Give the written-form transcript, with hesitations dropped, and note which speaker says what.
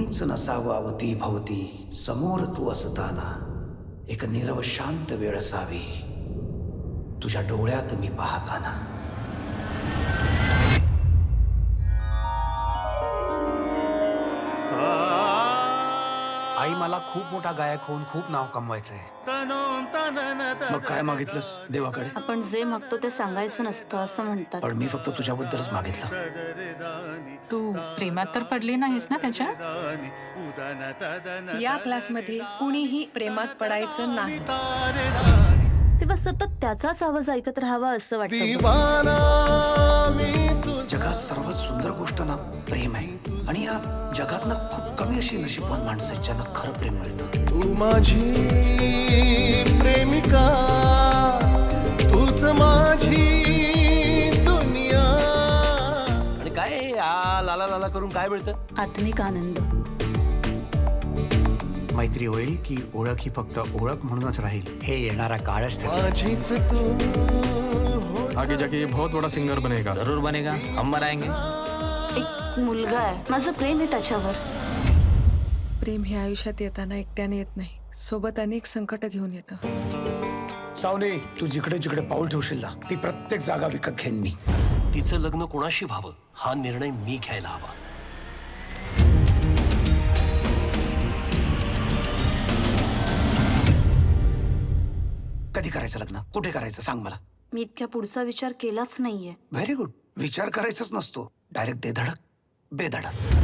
Speaker 1: कोणीच नसावं अवती भवती, समोर तू असताना एक नीरव शांत वेळ असावी तुझ्या डोळ्यात मी पाहताना. आई, मला खूप मोठा गायक होऊन खूप नाव कमवायचंय. मग काय मागितलंस देवाकडे?
Speaker 2: आपण जे मागतो ते सांगायचं नसतं असं म्हणतात.
Speaker 1: पण मी फक्त तुझ्याबद्दलच मागितलं.
Speaker 3: तू प्रेमात तर पडली नाहीस ना त्याच्या?
Speaker 4: या क्लासमध्ये कुणीही प्रेमात पडायचं नाही.
Speaker 2: तेव्हा सतत त्याचाच आवाज ऐकत राहावा असं वाटतं.
Speaker 1: जगात सर्वात सुंदर गोष्ट ना प्रेम आहे. आणि या जगात ना खूप कमी अशी नशीबवान माणसं आहेत ज्यांना खरं प्रेम मिळतं.
Speaker 5: तू माझी प्रेमिका, तूच माझी दुनिया.
Speaker 6: आणि काय लाला लाला करून काय मिळतं?
Speaker 2: आत्मिक आनंद.
Speaker 1: मैत्री होईल की ओळख ही फक्त ओळख म्हणूनच राहील हे येणारा काळच ठरवेल.
Speaker 5: माझीच तू
Speaker 7: आगे जाके ये बहुत बड़ा सिंगर बनेगा.
Speaker 6: जरूर बनेगा, हम बनाएंगे.
Speaker 2: एक मुलगा आहे, माझं प्रेम आहे त्याच्यावर.
Speaker 4: प्रेम हे आयुष्यात येताना एकट्याने येत नाही, सोबत अनेक संकट घेऊन येतं.
Speaker 1: सावने, तू जिकडे जिकडे पाऊल ठेवशील ना ती प्रत्येक जागा विकत घेईन मी.
Speaker 6: तिचं लग्न कोणाशी व्हावं हा निर्णय मी घ्यायला हवा.
Speaker 1: कधी करायचं लग्न, कुठे करायचं सांग मला.
Speaker 2: मी इतक्या पुढचा विचार केलाच नाहीये.
Speaker 1: Very good. विचार करायचाच नसतो, डायरेक्ट दे धडक बेधडक.